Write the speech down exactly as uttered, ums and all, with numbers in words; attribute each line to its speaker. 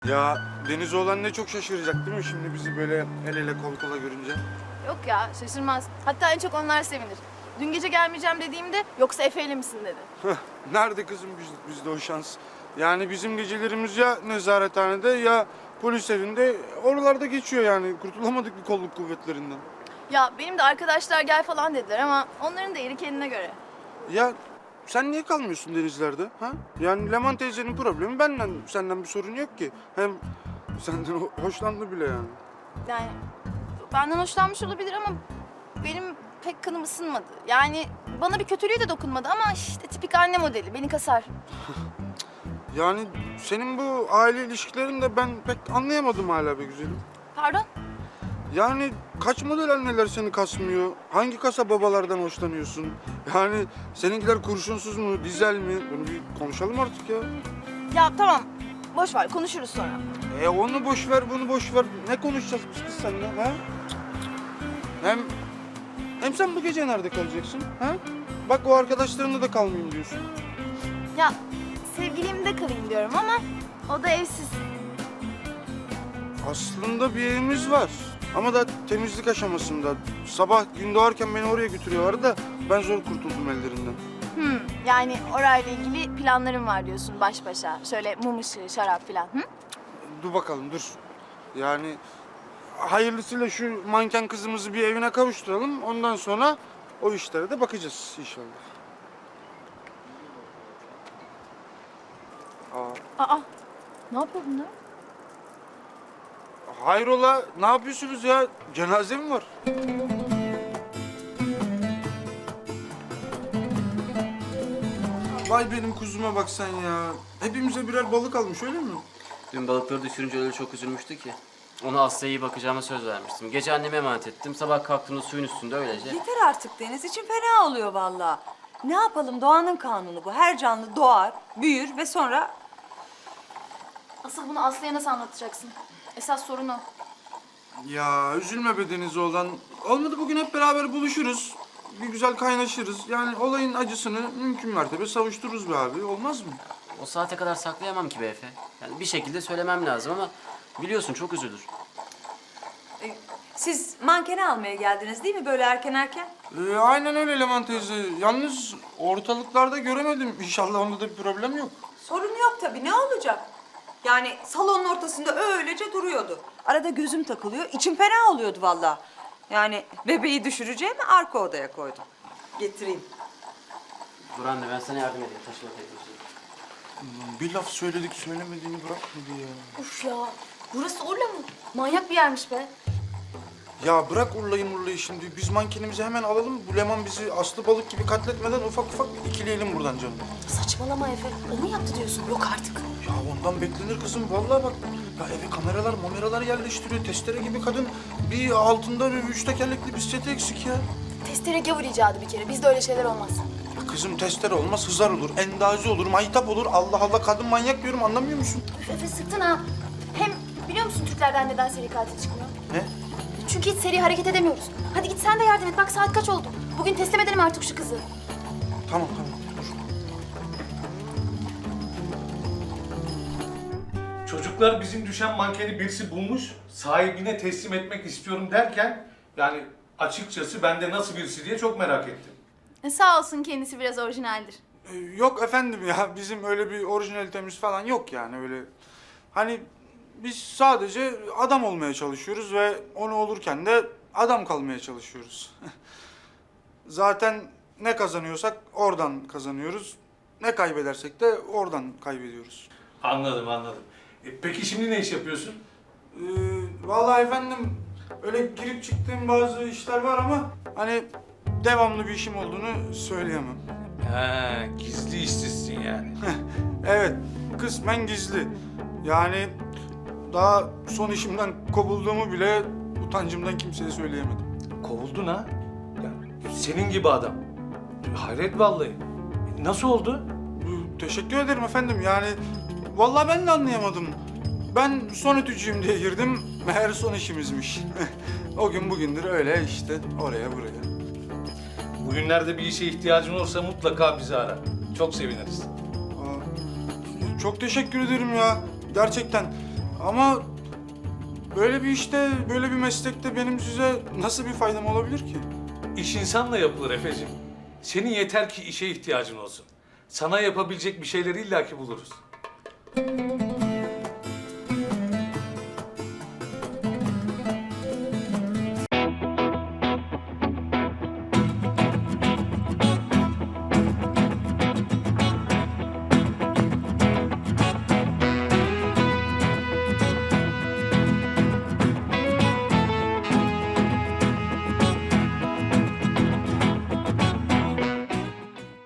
Speaker 1: Ya Deniz oğlan ne çok şaşıracak değil mi şimdi bizi böyle el ele kol kola görünce?
Speaker 2: Yok ya şaşırmaz. Hatta en çok onlar sevinir. Dün gece gelmeyeceğim dediğimde yoksa Efe'yle misin dedi.
Speaker 1: Heh, nerede kızım biz, bizde o şans? Yani bizim gecelerimiz ya nezarethanede ya polis evinde oralarda geçiyor yani. Kurtulamadık bir kolluk kuvvetlerinden.
Speaker 2: Ya benim de arkadaşlar gel falan dediler ama onların da yeri kendine göre.
Speaker 1: Ya sen niye kalmıyorsun denizlerde? Ha? Yani Leman teyzenin problemi benden, senden bir sorun yok ki. Hem senden ho- hoşlandı bile yani.
Speaker 2: Yani benden hoşlanmış olabilir ama benim pek kanım ısınmadı. Yani bana bir kötülüğü de dokunmadı ama işte tipik anne modeli beni kasar.
Speaker 1: Yani senin bu aile ilişkilerini de ben pek anlayamadım hala be güzelim.
Speaker 2: Pardon?
Speaker 1: Yani kaç model anneler seni kasmıyor? Hangi kasa babalardan hoşlanıyorsun? Yani seninkiler kurşunsuz mu, dizel mi? Bunu bir konuşalım artık ya.
Speaker 2: Ya tamam boş ver konuşuruz sonra.
Speaker 1: E onu boş ver, bunu boş ver. Ne konuşacağız biz kız seninle ha? Hem hem sen bu gece nerede kalacaksın ha? Bak o arkadaşlarınla da kalmayayım diyorsun.
Speaker 2: Ya sevgilimde kalayım diyorum ama o da evsiz.
Speaker 1: Aslında bir evimiz var. Ama da temizlik aşamasında. Sabah gün doğarken beni oraya götürüyorlardı da ben zor kurtuldum ellerinden.
Speaker 2: Hmm, yani orayla ilgili planlarım var diyorsun baş başa. Şöyle mum ışığı, şarap falan. Hı?
Speaker 1: Dur bakalım dur. Yani hayırlısıyla şu manken kızımızı bir evine kavuşturalım. Ondan sonra o işlere de bakacağız inşallah. Aa,
Speaker 2: Aa, ne yapıyor bunlar?
Speaker 1: hayrola ne yapıyorsunuz ya? Cenaze mi var? Vay benim kuzuma bak sen ya. Hepimize birer balık almış öyle mi?
Speaker 3: Dün balıkları düşürünce öyle çok üzülmüştü ki. Ona Asya'ya iyi bakacağıma söz vermiştim. Gece anneme emanet ettim. Sabah kalktığımda suyun üstünde öylece.
Speaker 4: Yeter artık Deniz. İçim fena oluyor vallahi. Ne yapalım? Doğanın kanunu bu. Her canlı doğar, büyür ve sonra...
Speaker 2: Asıl bunu Aslı'ya nasıl anlatacaksın? Esas sorun o.
Speaker 1: Ya üzülme be Deniz oğlan. Olmadı bugün hep beraber buluşuruz. Bir güzel kaynaşırız. Yani olayın acısını mümkün mertebe savuştururuz be abi. Olmaz mı?
Speaker 3: O saate kadar saklayamam ki be Efe. Yani bir şekilde söylemem lazım ama biliyorsun çok üzülür.
Speaker 4: E, siz mankeni almaya geldiniz değil mi böyle erken erken?
Speaker 1: Ee, aynen öyle Leman teyze. Yalnız ortalıklarda göremedim. İnşallah onda da bir problem yok.
Speaker 4: Sorun yok tabii. Ne olacak? Yani salonun ortasında öylece duruyordu. Arada gözüm takılıyor. İçim fena oluyordu vallahi. Yani bebeği düşüreceğimi arka odaya koydum. Getireyim.
Speaker 3: Dur anne ben sana yardım edeyim taşıma teknolojisi.
Speaker 1: Bir laf söyledik söylemediğini bırakmadı ya.
Speaker 2: Uf ya, burası Urla mı? Manyak bir yermiş be.
Speaker 1: Ya bırak Urla'yı Murla'yı şimdi. Biz mankenimizi hemen alalım. Bu Leman bizi aslı balık gibi katletmeden ufak ufak ikileyelim buradan canım.
Speaker 2: Saçmalama Efe. O mu yaptı diyorsun? Yok artık.
Speaker 1: Ya ondan beklenir kızım. Vallahi bak. Ya eve kameralar, mameralar yerleştiriyor. Testere gibi kadın. Bir altında bir üç tekerlekli bisikleti eksik ya.
Speaker 2: Testere gavur icadı bir kere. Bizde öyle şeyler olmaz.
Speaker 1: Ya kızım testere olmaz, hızar olur, endazi olur, maytap olur. Allah Allah kadın manyak diyorum anlamıyor musun?
Speaker 2: Üf Efe sıktın ha. Hem biliyor musun Türklerden neden seri katil çıkmıyor?
Speaker 1: Ne?
Speaker 2: Çünkü hiç seri hareket edemiyoruz. Hadi git sen de yardım et. Bak saat kaç oldu? Bugün teslim edelim artık şu kızı.
Speaker 1: Tamam tamam dur.
Speaker 5: Çocuklar bizim düşen mankeni birisi bulmuş, sahibine teslim etmek istiyorum derken yani açıkçası ben de nasıl birisi diye çok merak ettim.
Speaker 2: E, sağ olsun kendisi biraz orijinaldir.
Speaker 1: Ee, yok efendim ya bizim öyle bir orijinalitemiz falan yok yani öyle. Hani biz sadece adam olmaya çalışıyoruz ve onu olurken de adam kalmaya çalışıyoruz. Zaten ne kazanıyorsak oradan kazanıyoruz. Ne kaybedersek de oradan kaybediyoruz.
Speaker 5: Anladım anladım. E, peki şimdi ne iş yapıyorsun?
Speaker 1: Ee, vallahi efendim öyle girip çıktığım bazı işler var ama hani devamlı bir işim olduğunu söyleyemem.
Speaker 5: Ha, gizli işsizsin yani.
Speaker 1: Evet, kısmen gizli. Yani daha son işimden kovulduğumu bile utancımdan kimseye söyleyemedim.
Speaker 5: Kovuldun ha? Ya, senin gibi adam. Hayret vallahi. E, nasıl oldu?
Speaker 1: Ee, Teşekkür ederim efendim. Yani vallahi ben de anlayamadım. Ben son ütücüyüm diye girdim. Meğer son işimizmiş. O gün bugündür öyle işte oraya buraya.
Speaker 5: Bugünlerde bir işe ihtiyacın olursa mutlaka bizi ara. Çok seviniriz.
Speaker 1: Aa, çok teşekkür ederim ya. Gerçekten. Ama böyle bir işte, böyle bir meslekte benim size nasıl bir faydam olabilir ki?
Speaker 5: İş insanla yapılır Efe'cim. Senin yeter ki işe ihtiyacın olsun. Sana yapabilecek bir şeyleri illaki buluruz.